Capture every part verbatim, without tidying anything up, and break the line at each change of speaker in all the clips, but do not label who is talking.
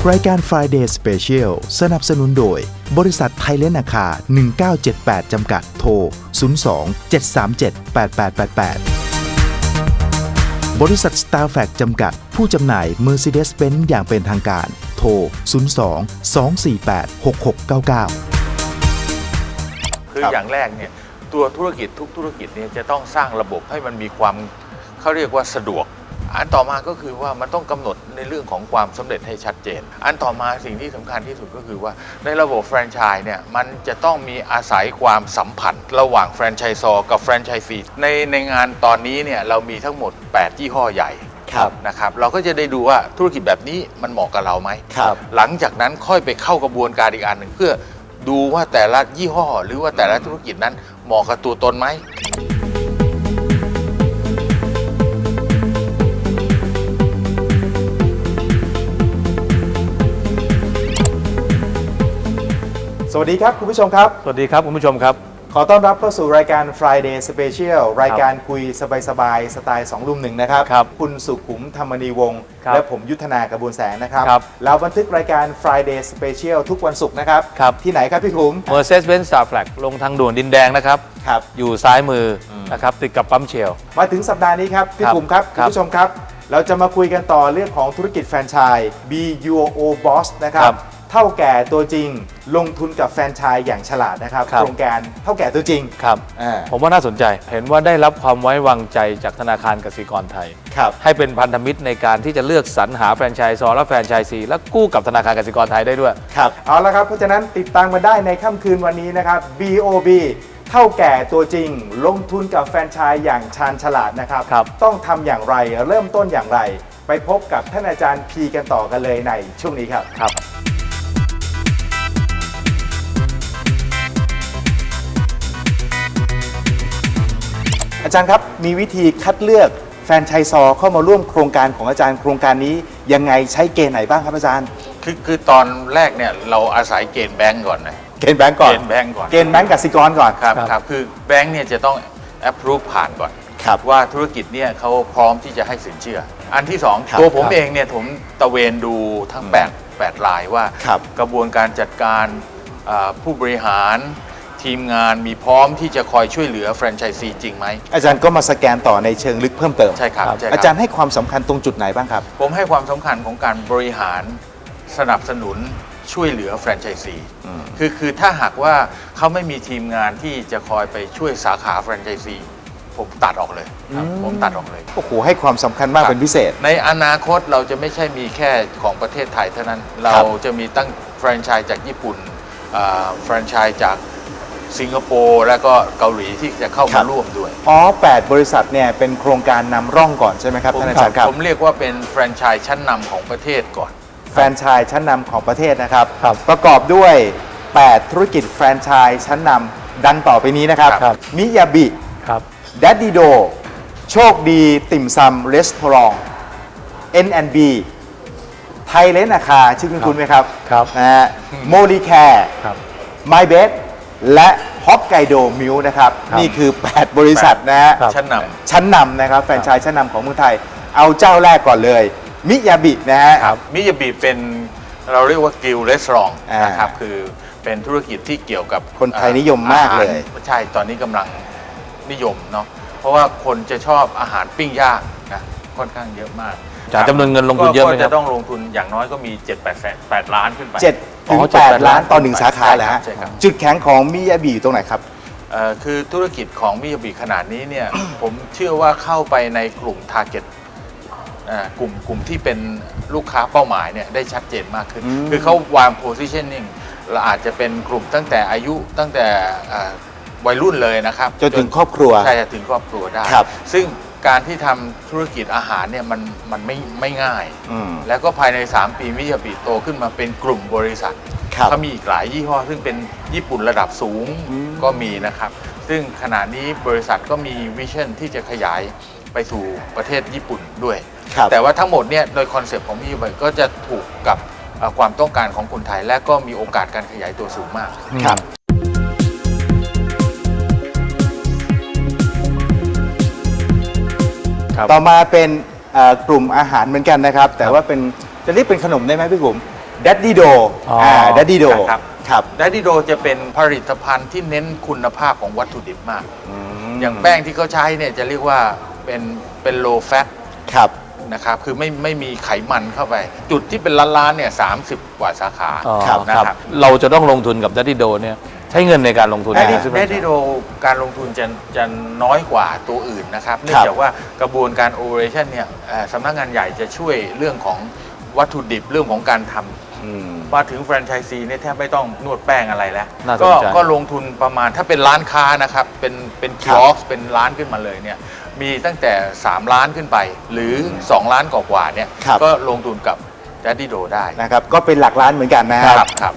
รายการ Friday Special สนับสนุนโดยบริษัทไทยเลนอาคาหนึ่งเก้าเจ็ดแปดจำกัดโทรศูนย์ สอง เจ็ด สาม เจ็ด แปด แปด แปด แปดบริษัท Starfac จำกัดผู้จำหน่าย Mercedes-Benz อย่างเป็นทางการโทรศูนย์ สอง สอง สี่ แปด หก หก เก้า เก้า
คืออย่างแรกเนี่ยตัวธุรกิจทุกธุรกิจเนี่ยจะต้องสร้างระบบให้มันมีความเขาเรียกว่าสะดวกอันต่อมาก็คือว่ามันต้องกำหนดในเรื่องของความสำเร็จให้ชัดเจนอันต่อมาสิ่งที่สำคัญที่สุดก็คือว่าในระบบแฟรนไชส์เนี่ยมันจะต้องมีอาศัยความสัมพันธ์ระหว่างแฟรนไชส์ซอกับแฟรนไชส์ซีในในงานตอนนี้เนี่ยเรามีทั้งหมดแปดยี่ห้อใหญ่นะครับเราก็จะได้ดูว่าธุรกิจแบบนี้มันเหมาะกับเราไหมหลังจากนั้นค่อยไปเข้ากระบวนการอีกอันหนึ่งเพื่อดูว่าแต่ละยี่ห้อหรือว่าแต่ละธุรกิจนั้นเหมาะกับตัวตนไหม
สวัสดีครับคุณผู้ชมครับ
สวัสดีครับคุณผู้ชมครับ
ขอต้อนรับเข้าสู่รายการ Friday Special รายการคุยสบายๆสไตล์สองรุ่มหนึ่งนะครับ
ครับ
คุณสุขุมธรรมนีวงศ์และผมยุทธนากระบวนแสงนะครับเราบันทึกรายการ Friday Special ทุกวันศุกร์นะครับที่ไหนครับพี่ขุม
Mercedes-Benz Starfac ลงทางด่วนดินแดงนะครับอยู่ซ้ายมือนะครับติดกับปั๊มเชล
มาถึงสัปดาห์นี้ครับพี่ขุมครับคุณผู้ชมครับเราจะมาคุยกันต่อเรื่องของธุรกิจแฟรนไชส์ Be Your Own Boss นะครับเท่าแก่ตัวจริงลงทุนกับแฟรนไชส์อย่างฉลาดนะครับโครงการเท่าแก่ตัวจริง
ครับผมว่าน่าสนใจเห็นว่าได้รับความไว้วางใจจากธนาคารกสิกรไทยให้เป็นพันธมิตรในการที่จะเลือกสรรหาแฟรนไชส์ซอและแฟรนไชส์ซีและกู้กับธนาคารกสิกรไทยได้ด้วย
ครับเอาละครับเพราะฉะนั้นติดตามมาได้ในค่ำคืนวันนี้นะครับ บี โอ บี เท่าแก่ตัวจริงลงทุนกับแฟรนไชส์อย่างชาญฉลาดนะครับต้องทำอย่างไรเริ่มต้นอย่างไรไปพบกับท่านอาจารย์พีกันต่อกันเลยในช่วงนี้ครับ
ครับ
อาจารย์ครับมีวิธีคัดเลือกแฟรนไชส์ซอเข้ามาร่วมโครงการของอาจารย์โครงการนี้ยังไงใช้เกณฑ์ไหนบ้างครับอาจารย์
คือคือตอนแรกเนี่ยเราอาศัยเกณฑ์แบงก์ก่อนนะ
เกณฑ์แบงก์ก่อน
เกณฑ์แบงก์ก่อน
เกณฑ์แบงก์กสิกรก่อน
ครับครับคือแบงก์เนี่ยจะต้อง approve ผ่านก่อนว่าธุรกิจเนี่ยเขาพร้อมที่จะให้สินเชื่ออันที่สองตัวผมเองเนี่ยผมตะเวนดูทั้งแปด แปดรายว่ากระบวนการจัดการผู้บริหารทีมงานมีพร้อมที่จะคอยช่วยเหลือแฟรนไชส์ซีจริงไหม
อาจารย์ก็มาสแกนต่อในเชิงลึกเพิ่มเติม
ใช่ครับ
อาจารย์ให้ความสำคัญตรงจุดไหนบ้างครับ
ผมให้ความสำคัญของการบริหารสนับสนุนช่วยเหลือแฟรนไชส์ซีคือคือถ้าหากว่าเขาไม่มีทีมงานที่จะคอยไปช่วยสาขาแฟรนไชส์ซีผมตัดออกเลยผมตัดออกเลย
โอ้โหให้ความสำคัญมากเป็นพิเศษ
ในอนาคตเราจะไม่ใช่มีแค่ของประเทศไทยเท่านั้นเราจะมีตั้งแฟรนไชส์จากญี่ปุ่นแฟรนไชส์จากสิงคโปร์และก็เกาหลีที่จะเข้ามาร่วมด้วย
อ๋อแปดบริษัทเนี่ยเป็นโครงการนำร่องก่อนใช่ไหมครับท่านอาจารย์ครับ
ผมเรียกว่าเป็นแฟรนไชส์ชั้นนำของประเทศก่อน
แฟรนไชส์ชั้นนำของประเทศนะครับประกอบด้วยแปดธุรกิจแฟรนไชส์ชั้นนำดังต่อไปนี้นะครับมิยาบิแดดดี้โดโชคดีติ่มซำรีสอร์ท เอ็น แอนด์ บี ไทยเลนอาคาชื่อคุณคุณไหมครับนะฮะโมลีแคร์ไมเบสและฮอกไกโดมิลนะครับนี่คือแปดบริษัทนะฮะ
ชั้นนำ
ชั้นนำนะครับแฟรนไชส์ชั้นนำของเมืองไทยเอาเจ้าแรกก่อนเลยมิยาบินะฮะ
มิยาบิเป็นเราเรียกว่ากิลด์รีสอร์ทนะครับคือเป็นธุรกิจที่เกี่ยวกับ
คนไทยนิยมมากเลย
ใช่ตอนนี้กำลังนิยมเนาะเพราะว่าคนจะชอบอาหารปิ้งย่างนะค่อนข้างเยอะมาก
จำนวนเงินลงทุนเยอะไหมครับ
ก็จะต้องลงทุนอย่างน้อยก็มี เจ็ด แปด แสน แปดล้านขึ้นไป
เจ็ดถึงแปดล้านต่อหนึ่งสาขาแหละฮะจุดแข็งของมิยาบิอยู่ตรงไหนครับ
คือธุรกิจของมิยาบิขนาดนี้เนี่ย ผมเชื่อว่าเข้าไปในกลุ่ม target กลุ่มกลุ่มที่เป็นลูกค้าเป้าหมายเนี่ยได้ชัดเจนมากขึ้นคือเขาวาง positioning เราอาจจะเป็นกลุ่มตั้งแต่อายุตั้งแต่วัยรุ่นเลยนะครับ
จนถึงครอบครัว
ใช่ถึงครอบครัวได้ซึ่งการที่ทำธุรกิจอาหารเนี่ยมันมันไม่ไม่ง่ายแล้วก็ภายในสามปีมิยาบิโตขึ้นมาเป็นกลุ่มบริษัทเขามีอีกหลายยี่ห้อซึ่งเป็นญี่ปุ่นระดับสูงก็มีนะครับซึ่งขณะนี้บริษัทก็มีวิชั่นที่จะขยายไปสู่ประเทศญี่ปุ่นด้วยแต่ว่าทั้งหมดเนี่ยโดยคอนเซปต์ของมิยาบิก็จะถูกกับความต้องการของคนไทยและก็มีโอกาสการขยายตัวสูงมาก
ครับต่อมาเป็นกลุ่มอาหารเหมือนกันนะครับแต่ว่าเป็นจะเรียกเป็นขนมได้ไหมพี่ผม Daddy Do
อ๋ออ่
อ่า Daddy Do
ครับ
ครับ
ดัดดี้โดจะเป็นผลิตภัณฑ์ที่เน้นคุณภาพของวัตถุดิบมาก
ม
อย่างแป้งที่เขาใช้เนี่ยจะเรียกว่าเป็นเป็น low fat
ครับ
นะครับคือไม่ไม่มีไขมันเข้าไป จุดที่เป็นล้านๆเนี่ยสามสิบกว่าสาขา
อ๋อ
ครับ
นะครับ
เราจะต้องลงทุนกับดัตตี้โดเนี่ยใช้เงินในการลงทุน
ดัด
ใน
ดี้
ซื้อ
ดัดดี้โดการลงทุนจะจะน้อยกว่าตัวอื่นนะครับเนื่องจากว่ากระบวนการ operation เนี่ยเอ่อสำนักงานใหญ่จะช่วยเรื่องของวัตถุดิบเรื่องของการทำ
อืม
มาถึงแฟรนไชส์ซีเนี่ยแทบไม่ต้องนวดแป้งอะไรแล้ว
น่าสน
ก็
ใจ
ก็ลงทุนประมาณถ้าเป็นร้านค้านะครับ เป็นเป็นคิ
ครับ
ออสเป็นร้านขึ้นมาเลยเนี่ยมีตั้งแต่ สาม ล้านขึ้นไป หรือ สอง ล้านกว่าๆเนี่ย
ครับ
ก็ลงทุนกับ Daddy Do ได้
นะครับ ก็เป็นหลักล้านเหมือนกันนะ
ครับครับ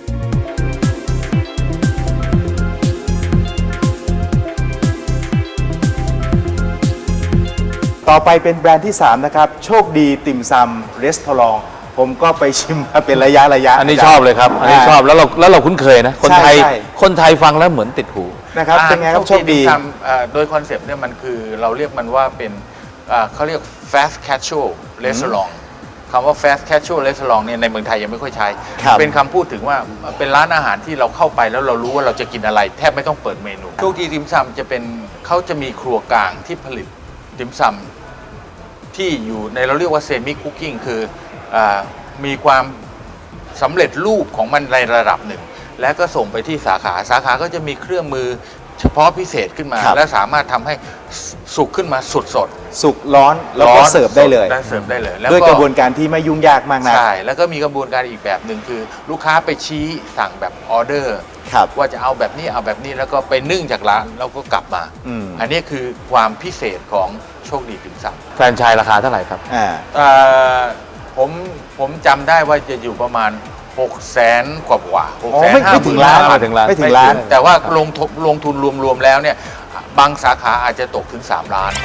ต่อไปเป็นแบรนด์ที่ สาม นะครับ โชคดีติ่มซำรีสตอรองผมก็ไปชิมมาเป็นระยะระยะ
อันนี้ชอบเลยครับ อันนี้ชอบแล้วเราแล้วเราคุ้นเคยนะ คนไทย
ใช่ใช่
คนไทยฟังแล้วเหมือนติดหู
นะครับ เป็นไงครับโชคดี
ทำเอ่อโดยคอนเซปต์เนี่ยมันคือเราเรียกมันว่าเป็นเอ่อเขาเรียก fast casual restaurant คำว่า fast casual restaurant เนี่ยในเมืองไทยยังไม่ค่อยใช้
ครับ
เป็นคำพูดถึงว่าเป็นร้านอาหารที่เราเข้าไปแล้วเรารู้ว่าเราจะกินอะไร แทบไม่ต้องเปิดเมนูโชคดีติมซำจะเป็นเขาจะมีครัวกลางที่ผลิตติมซำที่อยู่ในเราเรียกว่าเซมิคุกกิ้งคืออามีความสำเร็จรูปของมันในระดับหนึ่ง และก็ส่งไปที่สาขา สาขาก็จะมีเครื่องมือเฉพาะพิเศษขึ้นมา
ครับ
และสามารถทำให้สุกขึ้นมาสดสด
สุกร้อนแล้วก็
ร้อน
เสิร์ฟได้เลย
สได้เสิร์ฟได้เลยแล้ว
ด้วยกระบวนการที่ไม่ยุ่งยากมากนะ
ใช่ แล้วก็มีกระบวนการอีกแบบหนึ่งคือ ลูกค้าไปชี้สั่งแบบออเดอร์
ครับ
ว่าจะเอาแบบนี้เอาแบบนี้แล้วก็ไปนึ่งจากร้านแล้วก็กลับมา
อืม
อันนี้คือความพิเศษของโชคดีติ่มซำ
แฟรนไชส์ราคาเท่าไหร่ครับ
อ่า
เอ่อผมผมจำได้ว่าจะอยู่ประมาณ 6 0 0แสนกว่ากว่าหก
อ๋อ
แสน
ไม่
ห้า
ไม่
ห
ถึ
มื่
ง
น
ล้าน
ไม่ถึงล้าน
ไม่ถึงล้าน
แต่ว่าลงทุนลงทุนรวมๆแล้วเนี่ยบางสาขาอาจจะตกถึง สาม ล้าน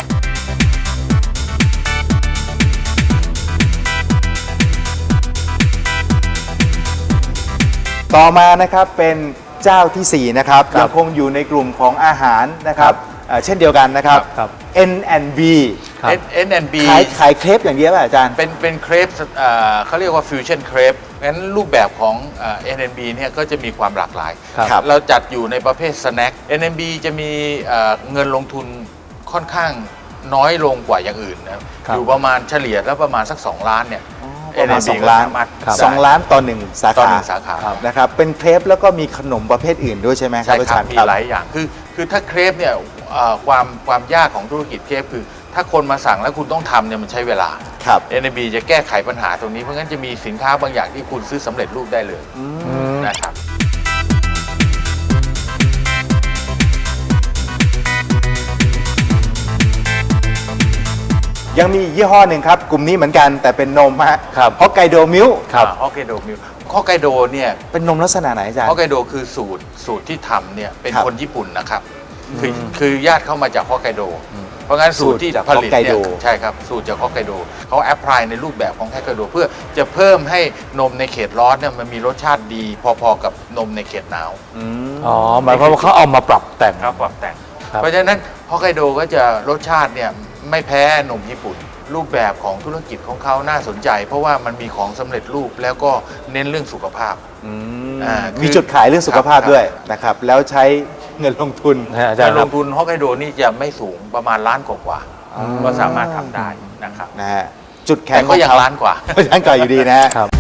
ต่อมานะครับเป็นเจ้าที่ สี่ นะครับ
ครับ
ยังคงอยู่ในกลุ่มของอาหารนะครับเอ่อเช่นเดียวกันนะครับ
ครับ
เอ็น แอนด์ บี
ครับ
เอ็น แอนด์ บี
ขายขายเครปอย่างเดียวป่ะอาจารย์
เป็นเป็นเครปเอ่อเขาเรียกว่าฟิวชั่นเครปงั้นรูปแบบของเอ่อ เอ็น แอนด์ บี เนี่ยก็จะมีความหลากหลาย
ครับ
เราจัดอยู่ในประเภทสแน็ค เอ็น แอนด์ บี จะมีเอ่อเงินลงทุนค่อนข้างน้อยลงกว่าอย่างอื่นนะครับ
ครับ
อยู่ประมาณเฉลี่ยแล้วประมาณสัก สอง ล้านเนี่ย
ประมาณ
เอ็น แอนด์ บี
สองล้าน
ก็สมรถ
ครับ
สองล้านต่อหนึ่งสา
ต่อ
ขา
หนึ่งสาขา
นะครับเป็นเครปแล้วก็มีขนมประเภทอื่นด้วยใช่ไหมครั
ใช่
บอา
ครั
จา
บ
รย์
มี
ครับ
หลายอย่างคือคือถ้าเครปเนี่ยเอ่อความความยากของธุรกิจเครปคือ ถ้าคนมาสั่งแล้วคุณต้องทำเนี่ยมันใช้เวลา
ครับ
เอ็น แอนด์ บี จะแก้ไขปัญหาตรงนี้เพราะงั้นจะมีสินค้าบางอย่างที่คุณซื้อสำเร็จรูปได้เลยนะครับ
ยังมียี่ห้อหนึ่งครับ กลุ่มนี้เหมือนกันแต่เป็นนมฮะ
ครับ
ฮอกไกโดมิล
ครับ
ฮอกไกโดมิลฮอกไกโดเนี่ย
เป็นนมลักษณะไหนอาจารย์
ฮอกไกโดคือสูตรสูตรที่ทำเนี่ยเป็น
ครับ
คนญี่ปุ่นนะครับคือคือญาติเข้ามาจากฮอกไกโด เพราะงั้นสูตรที่
สูตรจาก
ผลิต
ฮอกไก
เนี่
โด
ยใช่ครับสูตรจากฮอกไกโดเขาแอพพลายในรูปแบบของฮอกไกโด เพื่อจะเพิ่มให้นมในเขตร้อนเนี่ยมันมีรสชาติดี พอๆกับนมในเขตหนาว
อ๋อหมายความว่าเขาเอามาปรับแต่ง
ครับปรับแต่ง
ครับ
เพราะฉะนั้นฮอกไกโดก็จะรสชาติเนี่ยไม่แพ้นมญี่ปุ่น รูปแบบของธุรกิจของเขาน่าสนใจ เพราะว่ามันมีของสำเร็จรูปแล้วก็เน้นเรื่องสุขภาพ อ่ามี
มีจุดขายเรื่องสุขภาพ
ครับ
ด้วยนะครับ แล้วใช้เงินลงทุน
นะฮะอาจาร
การ
ย์ค
ล
รับ
งทุนฮอกไกโดนี่จะไม่สูงประมาณล้านกว่าๆก็สามารถทำได้นะครับ
นะฮะจุดแข็
แต่
งข
ก็
อง
ยัง
เขา
ล้านกว่า
ล้านกว่าอยู่ดีนะฮะ
ครับ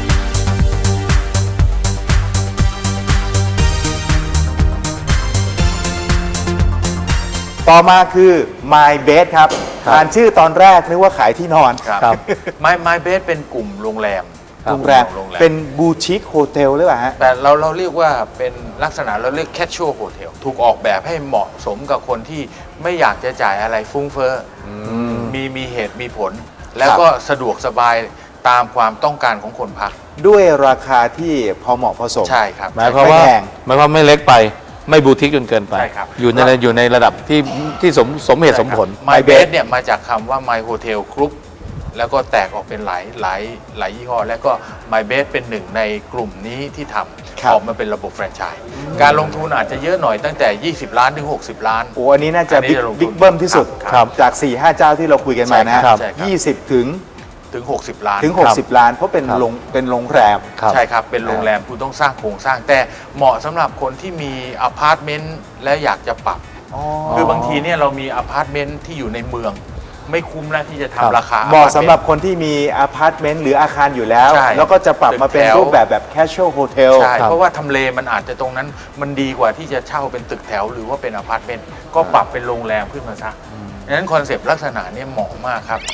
ต่อมาคือ My Bed ครับ
ครับ
อ่านชื่อตอนแรกนึกว่าขายที่นอน
ครับ
ครับ
ไมไมเบสเป็นกลุ่มโรงแรม
ครับ
โรงแรม
โรงแรม
เป็นบูชิคโฮเทลหรือเปล่าฮะ
แต่เราเราเรียกว่าเป็นลักษณะเราเรียก casual hotel ถูกออกแบบให้เหมาะสมกับคนที่ไม่อยากจะจ่ายอะไรฟุ้งเฟ้ออมีมีเหตุมีผล แล้วก็สะดวกสบายตามความต้องการของคนพัก
ด้วยราคาที่พอเหมาะพอสม
ใช่ครับ
หมายความว่า
ไม่แพง
หมายความไม่เล็กไปไม่บูติกจนเกินไป
ใช่ครับ
อยู่ในอยู่ในระดับที่ที่สมสมเหตุสมผล
ไมเบสเนี่ยมาจากคำว่า My Hotel Group แล้วก็แตกออกเป็นหลายหลายหลายยี่ห้อ แล้วก็ My Best เป็นหนึ่งในกลุ่มนี้ที่ท
ครับ
ำออกมาเป็นระบบแฟรนไชส์การลงทุนอาจจะเยอะหน่อยตั้งแต่ ยี่สิบ ล้านถึง หกสิบ ล้าน
โอ้อันนี้น่าจะ
อันนี้
บิ๊ก
จะลงทุน
บิ๊กเบิ้มที่สุด
ครับ
จาก สี่ห้า เจ้าที่เราคุยกันมานะฮะ
ใช่ครับใช่ครับ
ยี่สิบถึง
ถถึง หกสิบ ล้าน
ถึง หกสิบ ล้านเพราะเป็น
ครับ
โรงเป็นโรงแรม
ครับ
ใช่ครับ เป็นโรงแรมคุณต้องสร้างโครงสร้าง แต่เหมาะสำหรับคนที่มีอพาร์ตเมนต์และอยากจะปรับ คือบางทีเนี่ยเรามีอพาร์ตเมนต์ที่อยู่ในเมือง ไม่คุ้มแล้วที่จะ
ครับ
ทำราคา
เหมาะ
อพร์ต
สำ
มนต์
หรับคนที่มีอพาร์ตเมนต์หรืออาคารอยู่แล้ว
ใช่
แล้วก็จะปรับมาเป็น
ตึกแถว
รูปแบบแบบ casual hotel
ใช่
ครับ
เพราะว่าทำเลมันอาจจะตรงนั้นมันดีกว่าที่จะเช่าเป็นตึกแถวหรือว่าเป็นอพาร์ตเมนต์ก็ปรับเป็นโรงแรมขึ้นมาซะดังนั้นคอนเซปต์ลักษณะเนี้เหมาะมากครับ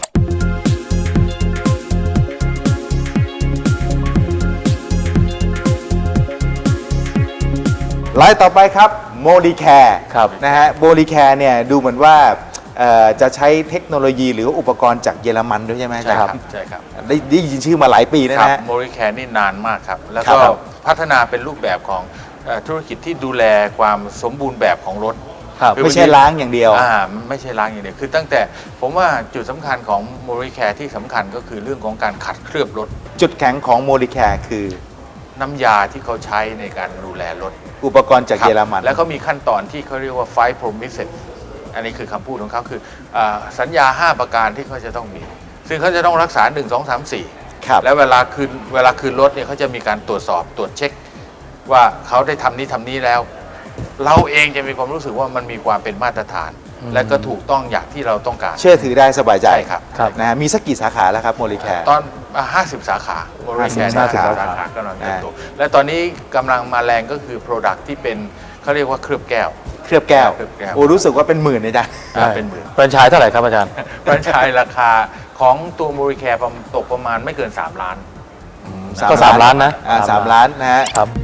รายต่อไปครับโมดีแคร์
ครับ
นะฮะโมดีแคร์เนี่ยดูเหมือนว่าเอ่อจะใช้เทคโนโลยีหรืออุปกรณ์จากเยอรมันด้วยใช่ไหมอา
ใช่
จารย์
ครับใช่ครับ
ได้ได้ยินชื่อมาหลายปีแล้ว
ครับ
นะฮะ
โมริแคร์นี่นานมากครับ แล้ว
ครั
ก็
บ
พัฒนาเป็นรูปแบบของเอ่อธุรกิจที่ดูแลความสมบูรณ์แบบของรถ
ครับ
คือ
ไม่ใช่ล้างอย่างเดียว
อ่าไม่ใช่ล้างอย่างเดียวคือตั้งแต่ผมว่าจุดสำคัญของโมริแคร์ที่สำคัญก็คือเรื่องของการขัดเคลือบรถ
จุดแข็งของโมดีแคร์คือ
น้ำยาที่เขาใช้ในการดูแลรถ
อุปกรณ์จาก
ครับ
เยอรมัน
แล้วก็มีขั้นตอนที่เขาเรียกว่า five promises อันนี้คือคำพูดของเขาคืออาสัญญา ห้า ประการที่เขาจะต้องมี ซึ่งเขาจะต้องรักษา หนึ่ง สอง สาม สี่
ครับ
แล้วเวลาคืนเวลาคืนรถเนี่ยเขาจะมีการตรวจสอบตรวจเช็ค ว่าเขาได้ทำนี้ทำนี้แล้ว เราเองจะมีความรู้สึกว่ามันมีความเป็นมาตรฐาน และก็ถูกต้องอย่างที่เราต้องการ
เชื่อถือได้สบายใจ
ใช่ครับ
ครับ
นะฮะมีสักกี่สาขาแล้วครับโมดีแคร์
ตอนอ่า50 สาขาโมริแคร์
ห้าสิบ
สา
สาขา
ขากำลังเติบโตและตอนนี้กำลังมาแรงก็คือ Product ที่เป็นเขาเรียกว่าเคลือบแก้ว
เคลือบแก้ว
เคลือบแก้ว
โอ้รู้สึกว่าเป็นหมื่นเลยจ้ะ
อ่าเป็นหมื่น
แฟรนไชส์เท่าไหร่ครับอาจารย์
แฟรนไชส์ราคาของตัวโมริแคร์ตกประมาณไม่เกิน 3 ล้าน
ก็สามล้านนะ
อ่า
สา
สาม ม
ล้าน
ล้านนะฮะ
ครับ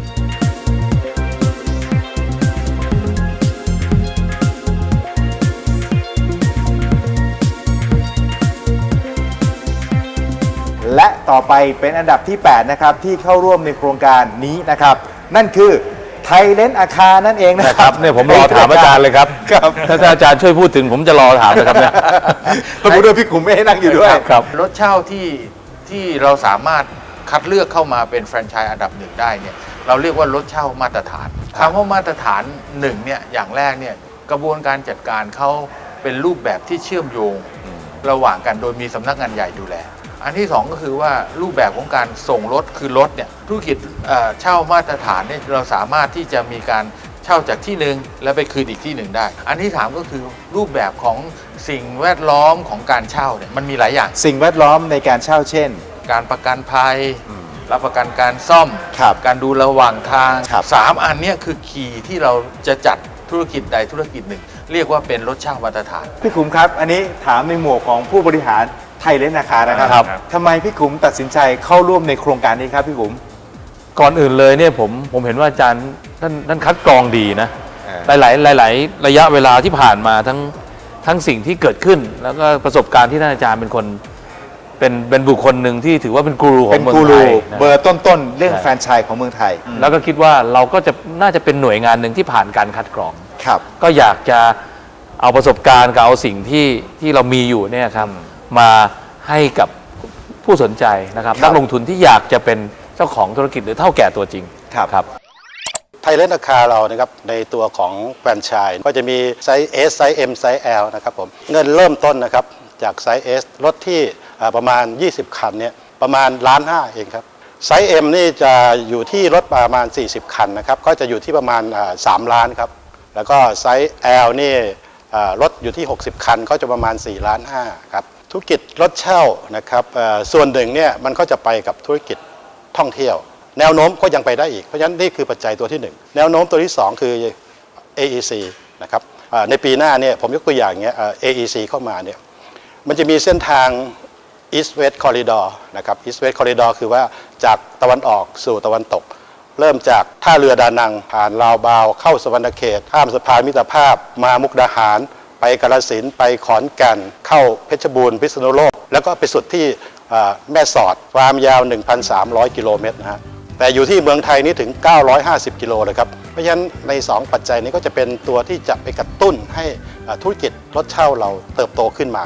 และต่อไปเป็นอันดับที่ แปด นะครับ ที่เข้าร่วมในโครงการนี้นะครับ นั่นคือไทยเลนอาคานั่นเองนะ
นะ
ค
ค
รั
รั
บบ
เนี่ยผมรอถามอาจารย์เลยครับ
ครับ
ถ้าอาจารย์ช่วยพูดถึงผมจะรอถามเลยครับเนี่ย
แล้วพูดด้วยพี่ขุมไม่ให้นั่งอยู่ด้วย
ครับ
รถเช่าที่ที่เราสามารถคัดเลือกเข้ามาเป็นแฟรนไชส์อันดับหนึ่งได้เนี่ยเราเรียกว่ารถเช่ามาตรฐานคำว่ามาตรฐานหนึ่งเนี่ยอย่างแรกเนี่ยกระบวนการจัดการเขาเป็นรูปแบบที่เชื่อมโยงระหว่างกันโดยมีสำนักงานใหญ่ดูแล อันที่สองก็คือว่ารูปแบบของการส่งรถคือรถเนี่ยธุรกิจเอ่อเช่ามาตรฐานเนี่ยเราสามารถที่จะมีการเช่าจากที่หนึ่งแล้วไปคืนอีกที่หนึ่งได้ อันที่สามก็คือรูปแบบของสิ่งแวดล้อมของการเช่าเนี่ยมันมีหลายอย่าง
สิ่งแวดล้อมในการเช่าเช่น
การประกันภัย รับประกันการซ่อม
ครับ
การดูระหว่างทาง
ครับ
สามอันเนี้ยคือคีย์ที่เราจะจัดธุรกิจใดธุรกิจหนึ่ง เรียกว่าเป็นรถเช่ามาตรฐาน
พี่ขุมครับ อันนี้ถามในหมวกของผู้บริหารไทยเลนอาคานะครับ
ครับ
ทำไมพี่ขุมตัดสินใจเข้าร่วมในโครงการนี้ครับพี่ขุม
ก่อนอื่นเลยเนี่ยผมผมเห็นว่าอาจารย์ท่านท่านคัดกรองดีนะ
เออ
หลาย ๆ หลาย ๆ ระยะเวลาที่ผ่านมาทั้งทั้งสิ่งที่เกิดขึ้น แล้วก็ประสบการณ์ที่ท่านอาจารย์เป็นคนเป็นเป็นบุคคลหนึ่งที่ถือว่าเป็นกูรูขอ
เป็
ง
น
เมือง
กู
ไท
รู
ยนะ
เบอร์ต้นๆ เรื่อง
ใช่
แฟรนไชส์ของเมืองไทย
แล้วก็คิดว่าเราก็จะน่าจะเป็นหน่วยงานหนึ่งที่ผ่านการคัดกรอง
ครับ
ก็อยากจะเอาประสบการณ์กับเอาสิ่งที่ที่เรามีอยู่เนี่ยครับมาให้กับผู้สนใจนะครับ
ครับ
นักลงทุนที่อยากจะเป็นเจ้าของธุรกิจหรือเท่าแก่ตัวจริง
ครับ
ครับ
ไทยเลนอาคาเรานะครับในตัวของแฟรนไชส์ก็จะมีไซส์ S ไซส์ M ไซส์ L นะครับผมเงินเริ่มต้นนะครับจากไซส์ S รถที่อ่าประมาณ ยี่สิบ คันเนี่ยประมาณล้านห้าเองครับไซส์ M นี่จะอยู่ที่รถประมาณ สี่สิบ คันนะครับก็จะอยู่ที่ประมาณอ่าสามล้านครับแล้วก็ไซส์ L นี่อ่ารถอยู่ที่ หกสิบ คันก็จะประมาณสี่ล้านห้าครับธุรกิจรถเช่านะครับอ่าส่วนหนึ่งเนี่ยมันก็จะไปกับธุรกิจท่องเที่ยว แนวโน้มก็ยังไปได้อีก เพราะฉะนั้นนี่คือปัจจัยตัวที่หนึ่งแนวโน้มตัวที่สองคือ เอ อี ซี นะครับอ่าในปีหน้าเนี่ยผมยกตัวอย่างเงี้ยอ่า เอ อี ซี เข้ามาเนี่ยมันจะมีเส้นทาง East West Corridor นะครับ East West Corridor คือว่าจากตะวันออกสู่ตะวันตก เริ่มจากท่าเรือดานังผ่านลาวบาวเข้าสวรรณเขตข้ามสะพานมิตรภาพมามุกดาหาร ไปกาฬสินธุ์ไปขอนแก่นเข้าเพชรบูรณ์พิษณุโลกแล้วก็ไปสุดที่อ่าแม่สอดความยาว หนึ่งพันสามร้อย กิโลเมตรนะฮะแต่อยู่ที่เมืองไทยนี่ถึง เก้าร้อยห้าสิบ กิโลเลยครับ เพราะฉะนั้นใน สอง ปัจจัยนี้ก็จะเป็นตัวที่จะไปกระตุ้นให้อ่าธุรกิจรถเช่าเราเติบโตขึ้นมา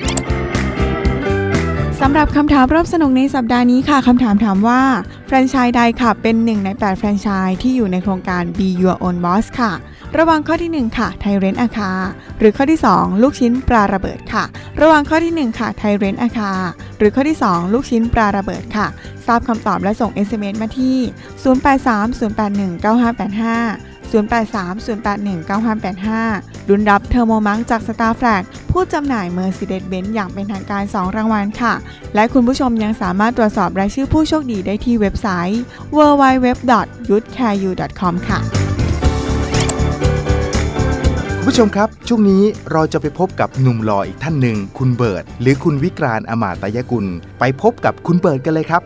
สำหรับคำถามร่วมสนุกในสัปดาห์นี้ค่ะคำถามถามว่าแฟรนไชส์ใดค่ะเป็นหนึ่งในแปดแฟรนไชส์ที่อยู่ในโครงการ Be Your Own Boss ค่ะ ระหว่างข้อที่หนึ่งค่ะไทยเรนอาคาหรือข้อที่สองลูกชิ้นปลาระเบิดค่ะระหว่างข้อที่หนึ่งค่ะไทยเรนต์อาคาหรือข้อที่สองลูกชิ้นปลาระเบิดค่ะทราบคำตอบและส่ง เอส เอ็ม เอส มาที่ศูนย์ แปด สาม ศูนย์ แปด หนึ่ง เก้า ห้า แปด ห้า ศูนย์ แปด สาม ศูนย์ แปด หนึ่ง เก้า ห้า แปด ห้าลุ้นรับเทอร์โมมังจาก Star Flag ผู้จำหน่าย Mercedes-Benz อย่างเป็นทางการ สอง รางวัลค่ะและคุณผู้ชมยังสามารถตรวจสอบรายชื่อผู้โชคดีได้ที่เว็บไซต์ ดับเบิลยู ดับเบิลยู ดับเบิลยู ดอท ยูทแคร์ยู ดอท คอม ค่ะ
คุณผู้ชมครับช่วงนี้เราจะไปพบกับหนุ่มหล่ออีกท่านหนึ่งคุณเบิร์ตหรือคุณวิกรานต์อมาตยกุลไปพบกับคุณเบิร์ตกันเลยครับ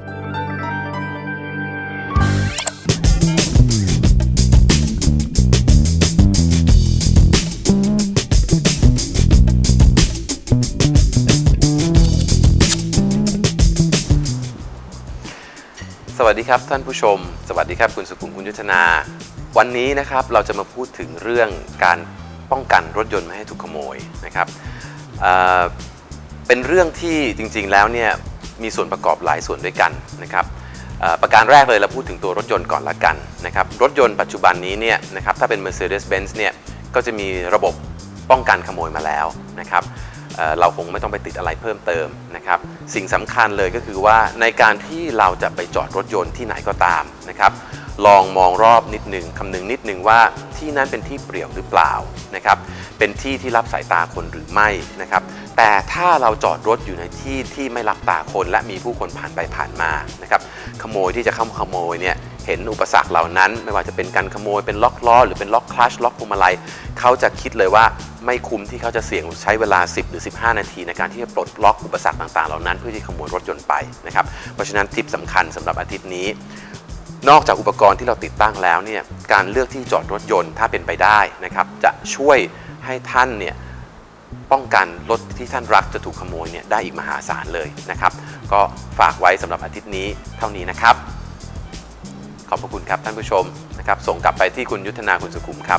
สวัสดีครับท่านผู้ชมสวัสดีครับคุณสุขุมคุณยุทธนาวันนี้นะครับเราจะมาพูดถึงเรื่องการป้องกันรถยนต์ไม่ให้ถูกขโมยนะครับเอ่อเป็นเรื่องที่จริงๆแล้วเนี่ยมีส่วนประกอบหลายส่วนด้วยกันนะครับเอ่อประการแรกเลยเราพูดถึงตัวรถยนต์ก่อนละกันนะครับรถยนต์ปัจจุบันนี้เนี่ยนะครับถ้าเป็น Mercedes-Benz เนี่ยก็จะมีระบบป้องกันขโมยมาแล้วนะครับเอ่อเราคงไม่ต้องไปติดอะไรเพิ่มเติมนะครับสิ่งสำคัญเลยก็คือว่าในการที่เราจะไปจอดรถยนต์ที่ไหนก็ตามนะครับลองมองรอบนิดหนึ่งคำนึงนิดหนึ่งว่าที่นั้นเป็นที่เปลี่ยวหรือเปล่านะครับเป็นที่ที่รับสายตาคนหรือไม่นะครับแต่ถ้าเราจอดรถอยู่ในที่ที่ไม่รับตาคนและมีผู้คนผ่านไปผ่านมานะครับขโมยที่จะเข้ามาขโมยเนี่ยเห็นอุปสรรคเหล่านั้นไม่ว่าจะเป็นการขโมยเป็นล็อกล้อหรือเป็นล็อกคลัตช์ล็อกพวงมาลัยเขาจะคิดเลยว่าไม่คุ้มที่เขาจะเสี่ยงใช้เวลาสิบหรือสิบห้านาทีในการที่จะปลดล็อกอุปสรรคต่างๆเหล่านั้นเพื่อที่ขโมยรถยนต์ไปนะครับเพราะฉะนั้นทิปสำคัญสำหรับอาทิตย์นี้นอกจากอุปกรณ์ที่เราติดตั้งแล้วเนี่ยการเลือกที่จอดรถยนต์ถ้าเป็นไปได้นะครับจะช่วยให้ท่านเนี่ยป้องกันรถที่ท่านรักจะถูกขโมยเนี่ยได้อีกมหาศาลเลยนะครับก็ฝากไว้สำหรับอาทิตย์นี้เท่านี้นะครับขอบพระคุณครับท่านผู้ชมนะครับส่งกลับไปที่คุณยุทธนาคุณสุขุมครับ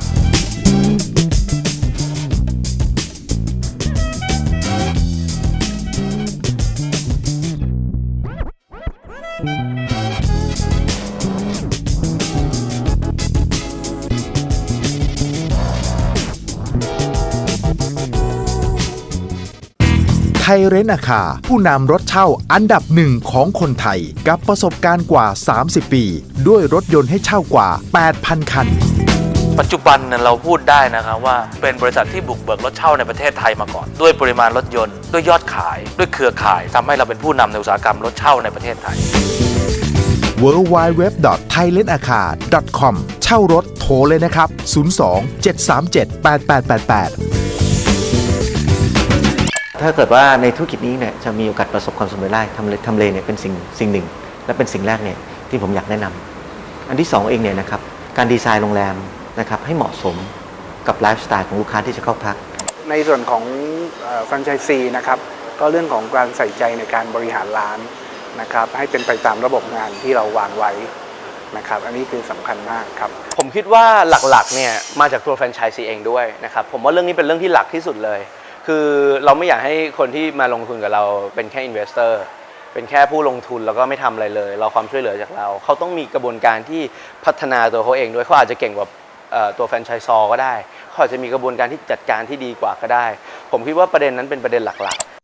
ไทยเรนต์อาคาผู้นำรถเช่าอันดับหนึ่งของคนไทยกับประสบการณ์กว่าสามสิบปีด้วยรถยนต์ให้เช่ากว่า แปดพัน คัน
ปัจจุบันเราพูดได้นะครับว่าเป็นบริษัทที่บุกเบิกรถเช่าในประเทศไทยมาก่อนด้วยปริมาณรถยนต์ด้วยยอดขายด้วยเครือข่ายทำให้เราเป็นผู้นำในอุตสาหกรรมรถเช่าในประเทศไทย
ดับเบิลยู ดับเบิลยู ดับเบิลยู ดอท ไทยเรนต์อาคา ดอท คอม เช่ารถโทรเลยนะครับศูนย์ สอง เจ็ด สาม เจ็ด แปด แปด แปด แปด
ถ้าเกิดว่าในธุรกิจนี้เนี่ยจะมีโอกาสประสบความสำเร็จได้ทำเลทำเลเนี่ยเป็นสิ่งสิ่งหนึ่งและเป็นสิ่งแรกเนี่ยที่ผมอยากแนะนำอันที่สองเองเนี่ยนะครับการดีไซน์โรงแรมนะครับให้เหมาะสมกับไลฟ์สไตล์ของลูกค้าที่จะเข้าพัก
ในส่วนของแฟรนไชส์ซีนะครับก็เรื่องของการใส่ใจในการบริหารร้านนะครับให้เป็นไปตามระบบงานที่เราวางไว้นะครับอันนี้คือสำคัญมากครับ
ผมคิดว่าหลักๆเนี่ยมาจากตัวแฟรนไชส์ซีเองด้วยนะครับผมว่าเรื่องนี้เป็นเรื่องที่หลักที่สุดเลยคือเราไม่อยากให้คนที่มาลงทุนกับเราเป็นแค่อินเวสเตอร์เป็นแค่ผู้ลงทุนแล้วก็ไม่ทำอะไรเลยเราความช่วยเหลือจากเราเขาต้องมีกระบวนการที่พัฒนาตัวเขาเองด้วยเขาอาจจะเก่งกว่าตัวแฟรนไชส์ซอก็ได้เขาอาจจะมีกระบวนการที่จัดการที่ดีกว่าก็ได้ผมคิดว่าประเด็นนั้นเป็นประเด็นหลักๆ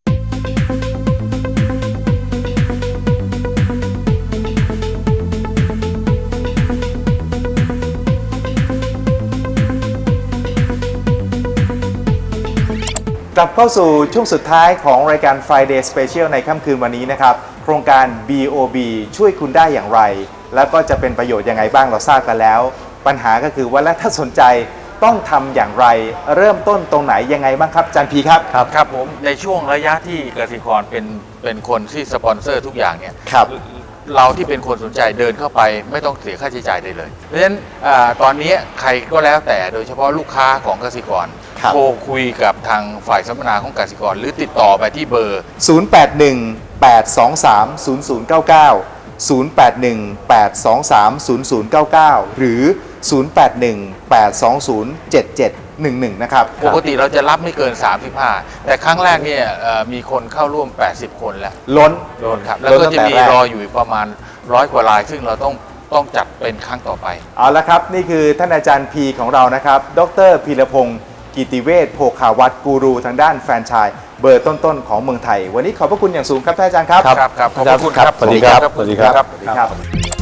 กลับเข้าสู่ช่วงสุดท้ายของรายการ Friday Special ในค่ำคืนวันนี้นะครับโครงการ บี โอ บี ช่วยคุณได้อย่างไร แล้วก็จะเป็นประโยชน์ยังไงบ้างเราทราบกันแล้วปัญหาก็คือว่าแล้วถ้าสนใจต้องทำอย่างไรเริ่มต้นตรงไหนยังไงบ้างครับอาจารย์พีครับ
ครับครับผมในช่วงระยะที่กสิกรเป็นเป็นคนที่สปอนเซอร์ทุกอย่างเนี่ย
ครับ
เราที่เป็นคนสนใจเดินเข้าไปไม่ต้องเสียค่าใช้จ่ายได้เลยเพราะฉะนั้นตอนนี้ใครก็แล้วแต่โดยเฉพาะลูกค้าของกสิกรโทรคุยกับทางฝ่ายสัมมนาของกสิกรหรือติดต่อไปที่เบอร์
ศูนย์ แปด หนึ่ง แปด สอง สาม ศูนย์ ศูนย์ เก้า เก้า ศูนย์ แปด หนึ่ง แปด สอง สาม ศูนย์ ศูนย์ เก้า เก้า หรือ ศูนย์ แปด หนึ่ง แปด สอง ศูนย์ เจ็ด เจ็ด หนึ่ง หนึ่ง นะครับ
ปกติเราจะรับไม่เกินสามสิบห้าแต่ครั้งแรกเนี่ยมีคนเข้าร่วมแปดสิบคนแล้ว
ล้น
ล้นครับแล้วก็จะมีรออยู่ประมาณร้อยกว่ารายซึ่งเราต้องต้องจัดเป็นครั้งต่อไป
เอาละครับนี่คือท่านอาจารย์พีของเรานะครับดรพีรพงศ์กิกิติเวชโภคาวัตรกูรูทางด้านแฟรนไชส์เบอร์ต้นๆของเมืองไทยวันนี้ขอบพระคุณอย่างสูงครับท่านอาจารย์ครับ
ครับครับขอบพระคุณครับ
สวัสดีครับ
สวัสดีครับ
สวัสดีครับ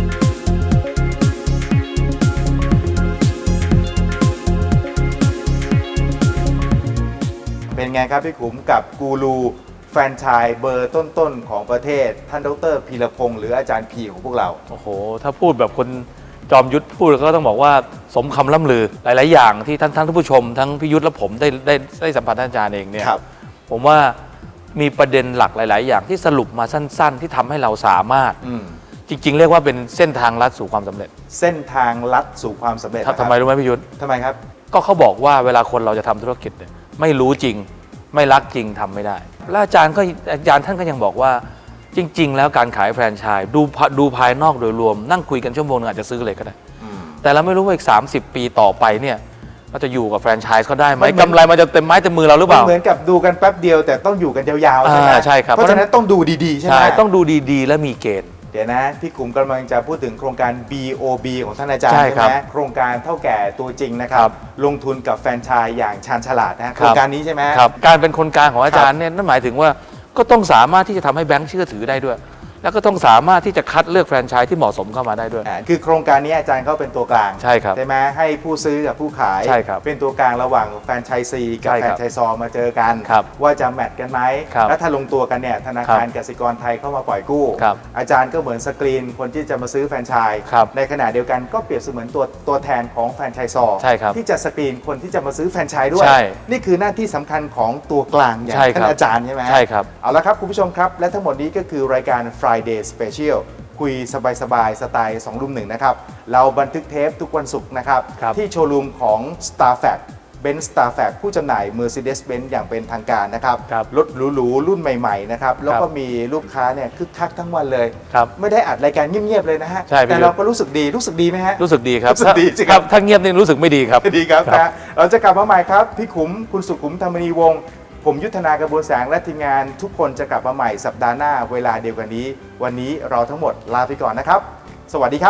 เป็นไงครับพี่ขุมกับกูรูแฟรนไชส์เบอร์ต้นๆของประเทศท่านดรพีรพงษ์หรืออาจารย์พีของพวกเรา
โอ้โหถ้าพูดแบบคนจอมยุทธพูดก็ต้องบอกว่าสมคำล่ำลือหลาย ๆ อย่างที่ท่านท่านผู้ชมทั้งพี่ยุทธและผมได้ได้ได้สัมผัสท่านอาจารย์เองเนี่ย
ครับ
ผมว่ามีประเด็นหลักหลาย ๆ อย่างที่สรุปมาสั้น ๆ ที่ทำให้เราสามารถ
อืม
จริง ๆ เรียกว่าเป็นเส้นทางลัดสู่ความสำเร็จ
เส้นทางลัดสู่ความสำเร็จ
ถ้าทำไมรู้ไหมพี่ยุทธ
ทำไมครับ
ก็เขาบอกว่าเวลาคนเราจะทำธุรกิจเนี่ยไม่รู้จริงไม่รักจริงทำไม่ได้ และอาจารย์ก็อาจารย์ท่านก็ยังบอกว่าจริง ๆ แล้วการขายแฟรนไชส์ดูดูภายนอกโดยรวมนั่งคุยกันชั่วโมงนึงอาจจะซื้อเลยก็ได้ แต่เราไม่รู้ว่าอีกสามสิบปีต่อไปเนี่ยเราจะอยู่กับแฟรนไชส์เขาได้ไหม
มันเหมือน
กำไรมันจะเต็มไม้เต็มมือเราหรือเป
มัน
ล่า
เหมือนกับดูกันแป๊บเดียวแต่ต้องอยู่กันยาวๆใช่ไหม
อ่าใช่ครับ
เพราะฉะนั้นต้องดูดีๆใช่ไหม
ใช่ต้องดูดีๆ และมีเกณฑ์
เดี๋ยวนะพี่กลุ่มกำลังจะพูดถึงโครงการ บี โอ บี ของท่านอาจารย์
ใช่
ใช่
ครับ
ไหมโครงการเท่าแก่ตัวจริงนะครั
ครับ บ
ลงทุนกับแฟรนไชส์อย่างชาญฉลาดนะโครงการนี้ใช่ไหม
ครับการเป็นคนกลางของอาจารย์เนี่ยนั่นหมายถึงว่าก็ต้องสามารถที่จะทำให้แบงค์เชื่อถือได้ด้วย แล้วก็ต้องสามารถที่จะคัดเลือกแฟรนไชส์ที่เหมาะสมเข้ามาได้ด้วย
อ่าคือโครงการนี้อาจารย์เขาเป็นตัวกลาง
ใช่ครับ
ใช่ไหมให้ผู้ซื้อกับผู้ขาย
ใช่ครับ
เป็นตัวกลางระหว่างแฟรนไชส์ซีกับ
ใช่
แฟ
ค
ร
รั
น
บ
ไชส์ซอมาเจอกัน
ครับ
ว่าจะแมทกันไหม
ครับ
แล้วถ้าลงตัวกันเนี่ยธนาคาร
ครับ
กสิกรไทยเข้ามาปล่อยกู้
ครับ
อาจารย์ก็เหมือนสกรีนคนที่จะมาซื้อแฟรนไชส์
ครับ
ในขณะเดียวกันก็เปรียบเสมือนตัวตัวแทนของแฟรนไชส์ซอ
ใช่ครับ
ที่จะสกรีนคนที่จะมาซื้อแฟรนไชส์ด้วย
ใช่
นี่คือหน้าที่สำคัญของตัวกลางอย่าง
ใช่ครับ
ท่านอาจารย์ใช่ไหม
ใช่ครับ
เอาละครับคุณผู้ชมครับและทั้งหมดนี้ก็คือรายการ Friday Special คุยสบายๆสไตล์สองรุ่มหนึ่งนะครับเราบันทึกเทปทุกวันศุกร์นะครับ
ครับ
ที่โชว์รูมของ Starfact Benz Starfact ผู้จำหน่าย Mercedes-Benz อย่างเป็นทางการนะครับ
ครับ
รถหรูๆรุ่นใหม่ๆนะครับแล้วก็
ครับ
มีลูกค้าเนี่ยคึกคักทั้งวันเลย
ครับ
ไม่ได้อัดรายการเงียบๆเลยนะฮะ
ใช่พี่
แต่เราก็รู้สึกดีรู้สึกดีไหมฮะ
รู้สึกดีครับ
รู้สึกดีสิครับ
ถ้าเงียบนี่รู้สึกไม่ดีครับ
ดีครับ
ครับ
นะเราจะกลับมาใหม่ครับ พี่ขุมคุณสุขุมธรรมนีวงศ์ผมยุทธนากระบวนแสงและทีมงานทุกคนจะกลับมาใหม่สัปดาห์หน้าเวลาเดียวกันนี้ วันนี้เราทั้งหมดลาไปก่อนนะครับ สวัสดีครับ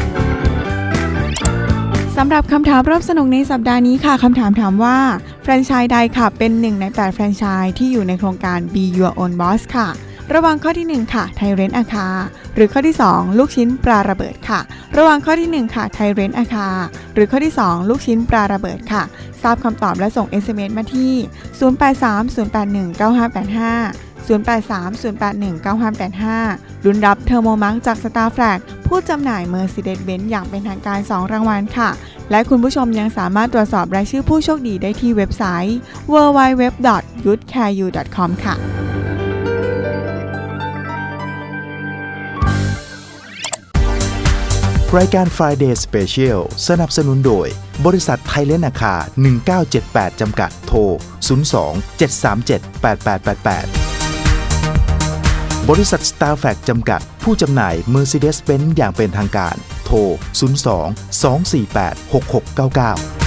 สำหรับคำถามร่วมสนุกในสัปดาห์นี้ค่ะคำถามถามว่าแฟรนไชส์ใดค่ะเป็นหนึ่งในแปดแฟรนไชส์ที่อยู่ในโครงการ Be Your Own Boss ค่ะ ระหว่างข้อที่หนึ่งค่ะไทยเรนอาคาหรือข้อที่สองลูกชิ้นปลาระเบิดค่ะระหว่างข้อที่หนึ่งค่ะไทยเรนอาคาหรือข้อที่สองลูกชิ้นปลาระเบิดค่ะทราบคำตอบและส่ง เอส เอ็ม เอส มาที่ศูนย์ แปด สาม ศูนย์ แปด หนึ่ง เก้า ห้า แปด ห้า ศูนย์ แปด สาม ศูนย์ แปด หนึ่ง เก้า ห้า แปด ห้าลุ้นรับเทอร์โมมังจาก Starfact ผู้จำหน่าย Mercedes-Benz อย่างเป็นทางการสองรางวัลค่ะและคุณผู้ชมยังสามารถตรวจสอบรายชื่อผู้โชคดีได้ที่เว็บไซต์ ดับเบิลยู ดับเบิลยู ดับเบิลยู ดอท ยูทแคร์ยู ดอท คอม ค่ะ
รายการ Friday Special สนับสนุนโดยบริษัทไทยเลนอาคาหนึ่งเก้าเจ็ดแปดจำกัดโทรศูนย์ สอง เจ็ด สาม เจ็ด แปด แปด แปด แปดบริษัท Starfact จำกัดผู้จำหน่าย Mercedes-Benz อย่างเป็นทางการโทรศูนย์ สอง สอง สี่ แปด หก หก เก้า เก้า